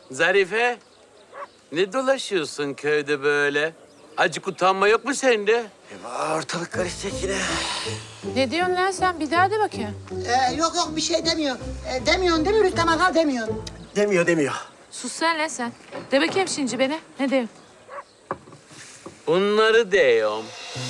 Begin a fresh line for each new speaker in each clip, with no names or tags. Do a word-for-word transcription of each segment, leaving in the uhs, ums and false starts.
Zarife, ne dolaşıyorsun köyde böyle? Acık utanma yok mu sende?
Ortalık karışacak yine.
Ne diyorsun lan sen? Bir daha de bakayım.
Ee, yok yok bir şey demiyor. Ee, demiyorsun değil mi Rüstem Aga demiyorsun.
Demiyor demiyor.
Sus sen lan sen. De bakayım şimdi beni. Ne diyorsun?
Bunları diyorum.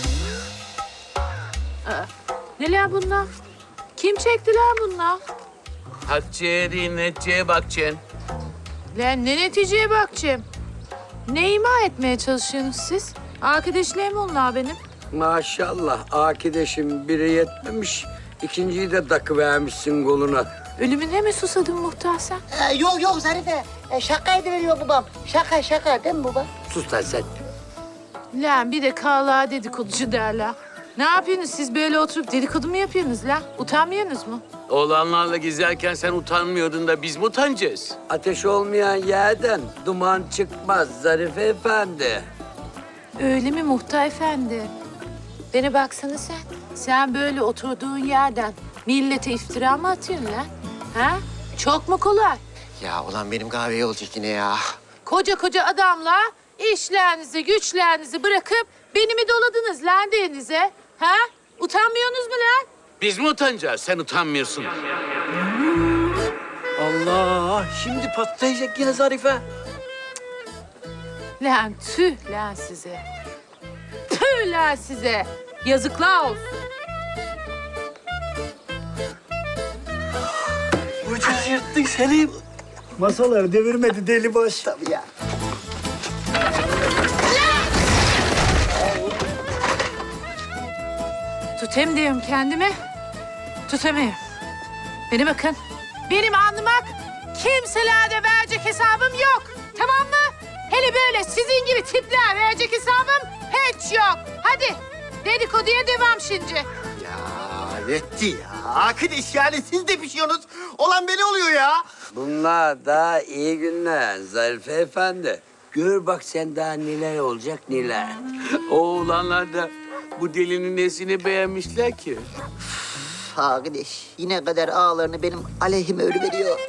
Ne lan bunlar? Kim çekti lan bunlar?
Hatice'ye değil, Netice'ye bakacaksın.
Lan ne neticeye bakacağım? Ne ima etmeye çalışıyorsunuz siz? Arkadaşlarım onlar benim.
Maşallah akideşim biri yetmemiş. İkinciyi de takıvermişsin koluna.
Ölümüne mi susadın muhtar sen?
Ee, yok yok Zarife. Ee, şaka ediveriyor babam. Şaka şaka değil mi baba?
Sus lan sen.
Lan bir de kağla dedikoducu derler. Ne yapıyorsunuz siz böyle oturup dedikodu mu yapıyorsunuz lan? Utanmıyorsunuz mu?
Oğlanlarla gezerken sen utanmıyordun da biz mi utanacağız?
Ateş olmayan yerden duman çıkmaz Zarife Efendi.
Öyle mi muhtar efendi? Bana baksana sen. Sen böyle oturduğun yerden millete iftira mı atıyorsun lan? Ha? Çok mu kolay?
Ya ulan benim kahveye olacak yine ya.
Koca koca adamla işlerinizi, güçlerinizi bırakıp beni mi doladınız lan denize? Ha? Utanmıyorsunuz mu lan?
Biz mi utanacağız? Sen utanmıyorsun.
Allah şimdi patlayacak yine Zarife.
Lan tüh lan size. Tüh lan size. Yazıklar olsun.
Ucuz yırttık Selim.
Masaları devirmedi deli baş.
Tabii ya.
Tutayım diyorum kendimi. Tutamıyorum. Beni bakın. Benim anlamak kimselerde verecek hesabım yok. Tamam mı? Hele böyle sizin gibi tipler verecek hesabım hiç yok. Hadi dedikoduya devam şimdi.
Ya yetti ya. Arkadaş yani siz de pişiyorsunuz. Olan beni oluyor ya.
Bunlar daha iyi günler Zarife Efendi. Gör bak sen daha neler olacak neler.
Oğlanlar da bu delinin nesini beğenmişler ki?
Arkadaş yine kadar ağlarını benim aleyhime örüveriyor.